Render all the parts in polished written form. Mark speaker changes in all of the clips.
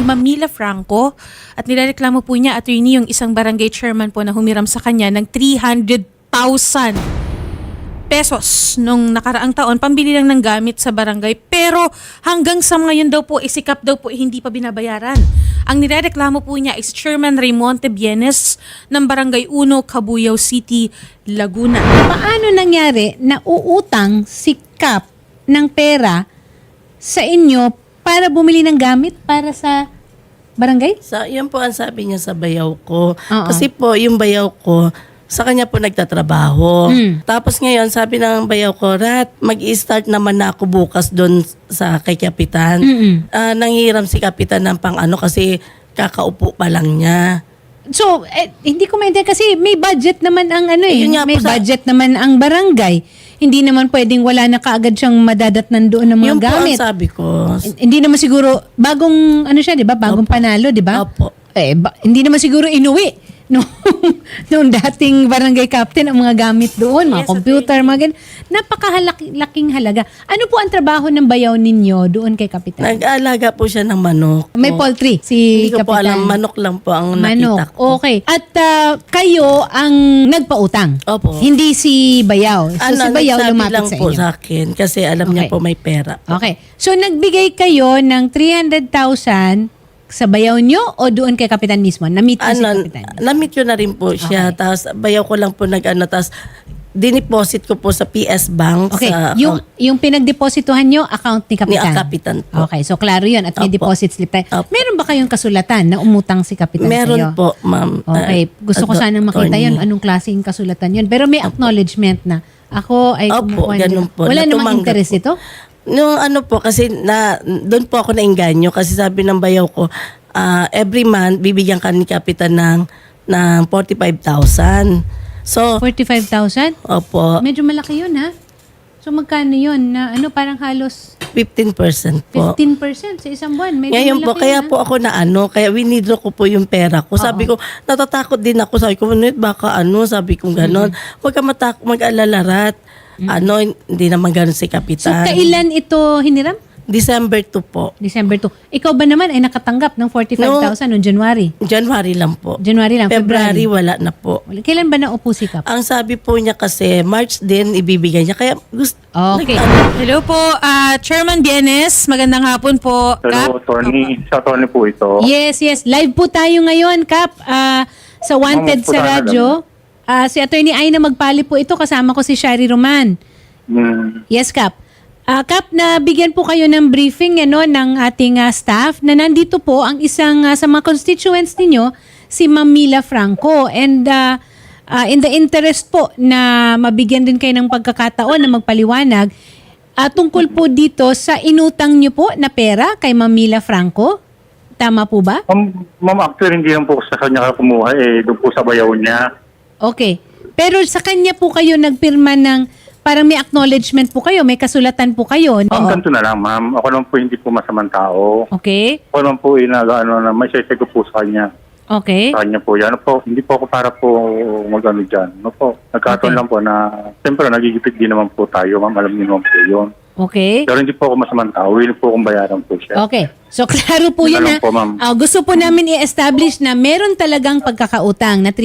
Speaker 1: Ma'am Mila Franco at nilareklamo po niya, attorney, yung isang barangay chairman po na humiram sa kanya ng 300,000 pesos nung nakaraang taon, pambili lang ng gamit sa barangay. Pero hanggang sa ngayon daw po, isikap daw po, hindi pa binabayaran. Ang nirereklamo po niya is Chairman Raymonte Bienes ng Barangay 1, Cabuyao City, Laguna.
Speaker 2: Paano nangyari na uutang si Kap ng pera sa inyo para bumili ng gamit para sa barangay?
Speaker 3: Yan po ang sabi niya sa bayaw ko.
Speaker 2: Oo.
Speaker 3: Kasi po, yung bayaw ko, sa kanya po nagtatrabaho. Tapos ngayon, sabi ng bayaw ko, Rat, mag-i-start naman na ako bukas doon sa kay Kapitan. Nanghiram si Kapitan ng pang-ano kasi kakaupo pa lang niya.
Speaker 2: So, hindi ko maintindihan kasi may budget naman ang
Speaker 3: Yun nga po
Speaker 2: may budget naman ang barangay. Hindi naman pwedeng wala na kaagad siyang madadatnan doon ng mga
Speaker 3: Yun
Speaker 2: gamit.
Speaker 3: po ang sabi ko.
Speaker 2: Hindi naman siguro, bagong, siya, di ba? Bagong panalo, di ba?
Speaker 3: Opo.
Speaker 2: Hindi naman siguro inuwi nung dating barangay captain ang mga gamit doon, mga
Speaker 1: Yes,
Speaker 2: computer, mga ganun. Napakalaking halaga. Ano po ang trabaho ng bayaw ninyo doon kay Kapitan?
Speaker 3: Nag-aalaga po siya ng manok.
Speaker 2: May poultry si
Speaker 3: Hindi ko po
Speaker 2: Kapitan.
Speaker 3: alam, manok lang po ang
Speaker 2: Manok.
Speaker 3: nakita ko.
Speaker 2: Okay. At kayo ang nagpautang.
Speaker 3: Opo.
Speaker 2: Hindi si bayaw. So si bayaw
Speaker 3: nagsabi
Speaker 2: lumapit
Speaker 3: lang
Speaker 2: sa
Speaker 3: po
Speaker 2: inyo.
Speaker 3: sa akin kasi alam niya
Speaker 2: Okay.
Speaker 3: po may pera.
Speaker 2: Okay. So nagbigay kayo ng 300,000 sa bayaw nyo o doon kay Kapitan mismo? Na-meet mo si Kapitan?
Speaker 3: Na-meet ko na rin po siya.
Speaker 2: Okay.
Speaker 3: Tapos bayaw ko lang po tapos dineposit ko po sa PS Bank.
Speaker 2: Okay.
Speaker 3: Sa
Speaker 2: Yung pinagdepositohan nyo, account ni Kapitan?
Speaker 3: Ni Kapitan po.
Speaker 2: Okay. So klaro yun. At may
Speaker 3: Opo.
Speaker 2: deposit slip tayo.
Speaker 3: Opo.
Speaker 2: Meron ba kayong kasulatan na umutang si Kapitan
Speaker 3: Meron
Speaker 2: sa'yo?
Speaker 3: po, ma'am.
Speaker 2: Okay. Gusto ko sanang makita yun. Anong klaseng kasulatan yun. Pero may acknowledgement na ako ay
Speaker 3: Opo,
Speaker 2: kumukuha.
Speaker 3: ganun po.
Speaker 2: Wala namang
Speaker 3: Natumanggap
Speaker 2: interest
Speaker 3: po.
Speaker 2: ito?
Speaker 3: Nung ano po, kasi doon po ako nainganyo kasi sabi ng bayaw ko, every month, bibigyan ka ni Kapitan ng 45,000. So,
Speaker 2: 45,000?
Speaker 3: opo,
Speaker 2: Medyo malaki yun, ha? So magkano yun? Na parang halos
Speaker 3: 15% po.
Speaker 2: 15% sa isang buwan. Medyo
Speaker 3: Ngayon po,
Speaker 2: malaki
Speaker 3: kaya
Speaker 2: yun,
Speaker 3: po ako kaya winidraw ko po yung pera ko. Sabi ko, natatakot din ako. Sabi ko, baka sabi ko gano'n. Huwag ka mag-alala, Rat. Hindi naman gano'n si
Speaker 2: So
Speaker 3: Kapitan.
Speaker 2: kailan ito hiniram?
Speaker 3: December 2 po.
Speaker 2: December 2. Ikaw ba naman ay nakatanggap ng 45,000 noong January?
Speaker 3: January lang po.
Speaker 2: January lang,
Speaker 3: February,
Speaker 2: February.
Speaker 3: wala na po.
Speaker 2: Kailan ba naupo si Kap?
Speaker 3: Ang sabi po niya kasi, March din ibibigay niya. Kaya gusto,
Speaker 2: Okay.
Speaker 1: Hello po, Chairman Bienes. Magandang hapon po.
Speaker 4: Hello, Tony. Sa Tony po ito.
Speaker 2: Yes. Live po tayo ngayon, Kap. Sa Wanted
Speaker 4: Ma'am,
Speaker 2: sa
Speaker 4: po
Speaker 2: radyo. Si Attorney Aina Magpali po ito. Kasama ko si Shari Roman. Yes, Kap. Kap, nabigyan po kayo ng briefing ng ating staff na nandito po ang isang sa mga constituents ninyo, si Ma'am Mila Franco. And in the interest po na mabigyan din kayo ng pagkakataon na magpaliwanag, tungkol po dito sa inutang nyo po na pera kay Ma'am Mila Franco. Tama po ba?
Speaker 4: Ma'am, actually, hindi lang po sa kanya kumuha. Doon po sa bayaw niya.
Speaker 2: Okay. Pero sa kanya po kayo nagpirma ng parang may acknowledgement po kayo, may kasulatan po kayo.
Speaker 4: Ma'am, ganito na lang, ma'am. Ako naman po hindi po masamang tao.
Speaker 2: Okay.
Speaker 4: Ako naman po may sesay ko po sa kanya.
Speaker 2: Okay.
Speaker 4: Sa kanya po yan. Hindi po ako para po mag-ano dyan. Nagkataon
Speaker 2: Okay.
Speaker 4: lang po na, siyempre, nagigipit din naman po tayo, ma'am. Alam niyo naman po yun.
Speaker 2: Okay.
Speaker 4: Pero hindi po ako masamang tao. Willing po akong bayaran po siya.
Speaker 2: Okay. So, klaro po
Speaker 4: Yun
Speaker 2: yun
Speaker 4: na lang po, ma'am.
Speaker 2: gusto po namin i-establish na meron talagang pagkakautang na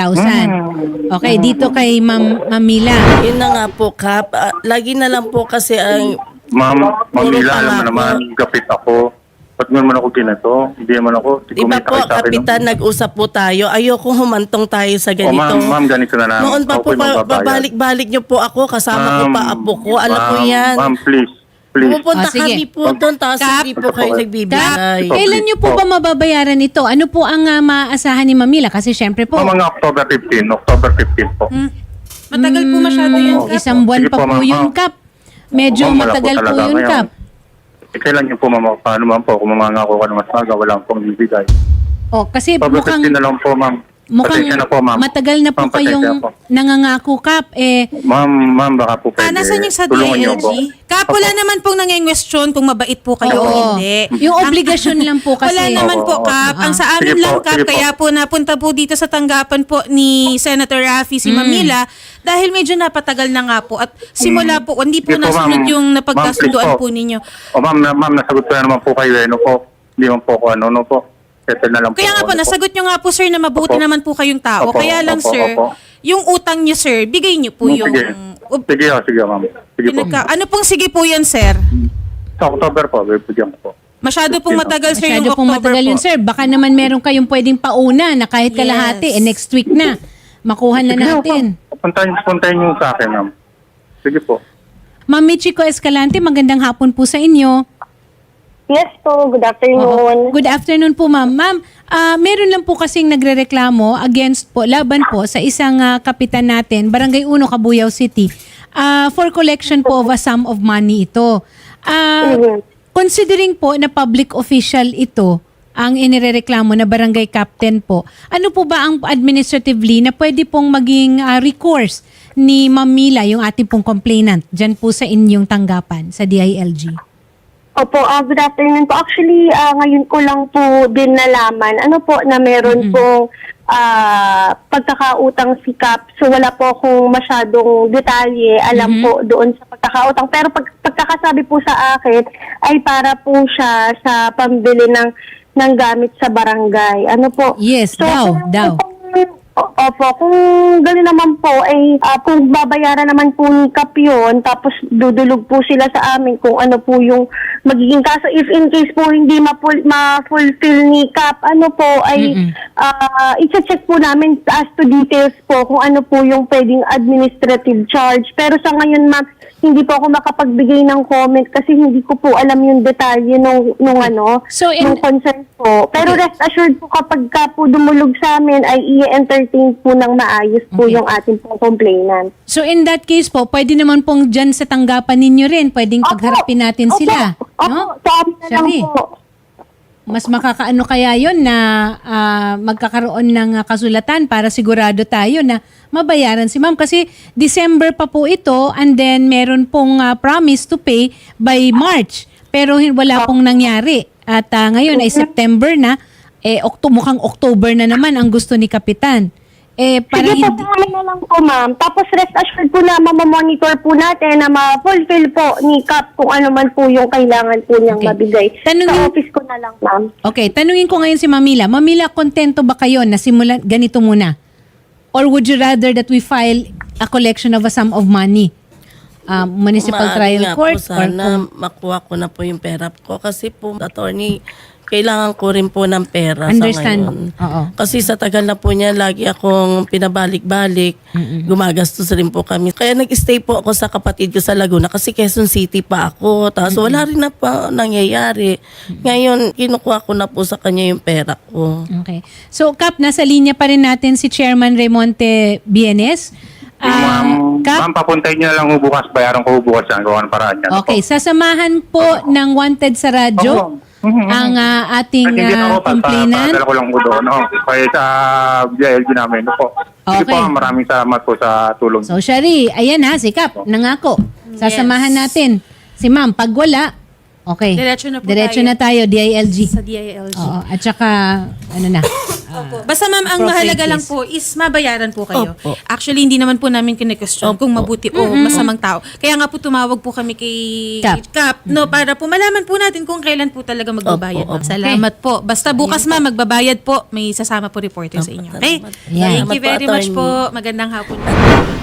Speaker 2: 300,000. Okay, dito kay Ma'am Mila.
Speaker 3: yun na nga po, Kap. Lagi na lang po kasi ang
Speaker 4: Ma'am,
Speaker 3: Puro
Speaker 4: Mila, alam mo
Speaker 3: pangako.
Speaker 4: naman, gapit ako. Ba't mo naman ako ginato? Hindi naman ako.
Speaker 3: Di ba po, Kapitan, nag-usap po tayo. Ayoko humantong tayo sa
Speaker 4: O ma'am,
Speaker 3: ganito.
Speaker 4: ganito na lang.
Speaker 3: Noon pa
Speaker 4: Ako
Speaker 3: po,
Speaker 4: po'y magbabayad.
Speaker 3: babalik-balik niyo po ako. Kasama ko pa apo ko. Alam ko yan.
Speaker 4: Ma'am, please.
Speaker 3: Pupunta
Speaker 2: Sige.
Speaker 3: kami po doon, tapos
Speaker 1: Kap.
Speaker 3: hindi po kayo
Speaker 2: Kap,
Speaker 3: nagbibigay.
Speaker 2: kailan nyo po ba mababayaran ito? Ano po ang maaasahan ni Ma'am Mila? Kasi syempre po,
Speaker 4: Mga October 15. October 15 po.
Speaker 1: Matagal po masyado yun, Kap.
Speaker 2: isang buwan
Speaker 4: Sige
Speaker 2: pa
Speaker 4: po,
Speaker 2: po
Speaker 4: ma'am.
Speaker 2: yun, Kap. Medyo
Speaker 4: Ma'am, wala po
Speaker 2: matagal po
Speaker 4: talaga
Speaker 2: yun,
Speaker 4: ngayon.
Speaker 2: Kap.
Speaker 4: Kailan niyo po paano ma'am po? Kung mamangako ka ng mas maga, wala akong bibigay.
Speaker 2: Kasi
Speaker 4: October
Speaker 2: mukhang
Speaker 4: 15 na lang po, ma'am.
Speaker 2: Mukhang
Speaker 4: Pasensya na po, ma'am.
Speaker 2: matagal na po
Speaker 4: Ma'am, pasensya
Speaker 2: kayong
Speaker 4: po.
Speaker 2: nangangako, Kap.
Speaker 4: Ma'am, baka po pwede.
Speaker 1: Nasaan yung sa
Speaker 4: tulungan niyo
Speaker 1: DILG?
Speaker 4: po.
Speaker 1: Kap, wala naman pong nangengwestiyon kung mabait po kayo o
Speaker 2: Oo.
Speaker 1: hindi.
Speaker 2: Yung obligasyon lang po kasi.
Speaker 1: Wala naman po,
Speaker 4: Oo.
Speaker 1: Kap. Ang sa amin
Speaker 4: Sige po,
Speaker 1: lang, Kap,
Speaker 4: sige po.
Speaker 1: kaya po napunta po dito sa tanggapan po ni Senator Raffy si Mamila dahil medyo napatagal na nga po at simula po, hindi po
Speaker 4: Sige po,
Speaker 1: nasunod
Speaker 4: ma'am.
Speaker 1: yung
Speaker 4: Ma'am,
Speaker 1: napagkasunduan
Speaker 4: please
Speaker 1: po ninyo.
Speaker 4: Ma'am, nasagot ko na naman po kayo. Ano po? Hindi man po ako ano po. Settle na lang
Speaker 1: Kaya nga po,
Speaker 4: ano
Speaker 1: nasagot nyo nga po sir na mabuti
Speaker 4: Opo.
Speaker 1: naman po kayong tao.
Speaker 4: Opo,
Speaker 1: Kaya lang
Speaker 4: opo,
Speaker 1: sir,
Speaker 4: opo.
Speaker 1: yung utang nyo sir, bigay nyo po yung...
Speaker 4: Sige ma'am. Sige po.
Speaker 1: Ano pong sige po yan sir?
Speaker 4: Sa October po, bibigyan ko po.
Speaker 1: Masyado pong matagal sir
Speaker 2: Masyado
Speaker 1: yung
Speaker 2: pong
Speaker 1: October
Speaker 2: matagal
Speaker 1: po.
Speaker 2: yun, sir. Baka naman meron kayong pwedeng pauna na kahit kalahati,
Speaker 1: Yes.
Speaker 2: next week na. Makuha na natin.
Speaker 4: Puntahin niyo sa akin ma'am. Sige po.
Speaker 2: Ma'am Michiko Escalante, magandang hapon po sa inyo.
Speaker 5: Yes po, good afternoon.
Speaker 2: Good afternoon po, ma'am. Ma'am, meron lang po kasing nagrereklamo laban po sa isang kapitan natin, Barangay 1, Cabuyao City, for collection po of a sum of money ito. Considering po na public official ito, ang inirereklamo na barangay captain po, ano po ba ang administratively na pwede pong maging recourse ni Ma'am Mila, yung ating pong complainant, dyan po sa inyong tanggapan sa DILG?
Speaker 5: Opo, good afternoon po. Actually, ngayon ko lang po din nalaman, na meron pong pagkakautang si Cap. So wala po akong masyadong detalye alam po doon sa pagkakautang. Pero pagkakasabi po sa akin ay para po siya sa pambili ng gamit sa barangay. Ano po?
Speaker 2: Yes, daw.
Speaker 5: Opo, kung gano'n naman po, ay kung babayaran naman po ni Cap yun, tapos dudulog po sila sa amin kung ano po yung magiging kaso. If in case po hindi ma-fulfill ni Cap, ay i-check po namin as to details po kung ano po yung pwedeng administrative charge. Pero sa ngayon, ma'am, hindi po ako makapagbigay ng comment kasi hindi ko po alam yung detalye nung concern po. Pero rest assured po kapag ka po dumulog sa amin ay i-entertain po ng maayos po yung ating pong complainant.
Speaker 2: So in that case po, pwede naman pong dyan sa tanggapan ninyo rin, pwedeng pagharapin natin sila. No?
Speaker 5: Sa amin na lang
Speaker 2: Shari,
Speaker 5: po.
Speaker 2: mas makakaano kaya yon na magkakaroon ng kasulatan para sigurado tayo na mabayaran si ma'am. Kasi December pa po ito and then meron pong promise to pay by March. Pero wala pong nangyari. At ngayon ay September na, mukhang October na naman ang gusto ni Kapitan. Parang
Speaker 5: Sige po, sa amin na lang po, ma'am. Tapos rest assured po na mamamonitor po natin na ma-fulfill po ni Cap kung ano man po yung kailangan po niyang
Speaker 2: Okay.
Speaker 5: mabigay.
Speaker 2: Tanungin-
Speaker 5: Sa office ko na lang, ma'am.
Speaker 2: Okay, tanungin ko ngayon si Mamila. Mamila, kontento ba kayo na simulan ganito muna? Or would you rather that we file a collection of a sum of money? Municipal
Speaker 3: Maaari
Speaker 2: trial
Speaker 3: nga
Speaker 2: court?
Speaker 3: po sana makuha ko na po yung pera ko kasi po, attorney, kailangan ko rin po ng pera
Speaker 2: Understand.
Speaker 3: sa ngayon.
Speaker 2: Oo.
Speaker 3: Kasi sa tagal na po niya, lagi akong pinabalik-balik. Gumagastos rin po kami. Kaya nag-stay po ako sa kapatid ko sa Laguna kasi Quezon City pa ako. Tapos wala rin na pa nangyayari. Ngayon, kinukuha ko na po sa kanya yung pera ko.
Speaker 2: Okay. So, Kap, nasa linya pa rin natin si Chairman Raymonte Bienes.
Speaker 4: Ma'am, papuntahin niyo na lang bukas. Bayaran ko bukas yan. Gawa ng paraan yan.
Speaker 2: Okay, sasamahan po ng Wanted sa radyo ang ating
Speaker 4: Hindi na ako,
Speaker 2: complainant.
Speaker 4: padala ko lang po doon. Kaya sa DILG namin. Sige
Speaker 2: Okay.
Speaker 4: po, ma'am, maraming salamat po sa tulong.
Speaker 2: So, Shari, ayan ha, si Kap, nangako. Sasamahan natin. Si Ma'am, pag wala, okay.
Speaker 1: Diretso na po
Speaker 2: Diretso
Speaker 1: tayo.
Speaker 2: na tayo, DILG.
Speaker 1: Sa DILG.
Speaker 2: Oo, at saka, ano na.
Speaker 1: Opo. Basta ma'am, ang
Speaker 2: appropriate
Speaker 1: mahalaga lang
Speaker 2: case.
Speaker 1: po is mabayaran po kayo.
Speaker 3: Opo.
Speaker 1: Actually, hindi naman po namin kine-question kung mabuti o masamang tao. Kaya nga po tumawag po kami kay
Speaker 2: Cap.
Speaker 1: no, para po malaman po natin kung kailan po talaga magbabayad.
Speaker 3: Opo,
Speaker 1: ma'am. Salamat po. Basta bukas ma'am, magbabayad po. May sasama po reporter sa inyo. Okay?
Speaker 2: Yan.
Speaker 1: Thank you very
Speaker 3: Salamat po,
Speaker 1: much
Speaker 3: attorney.
Speaker 1: po. Magandang hapon.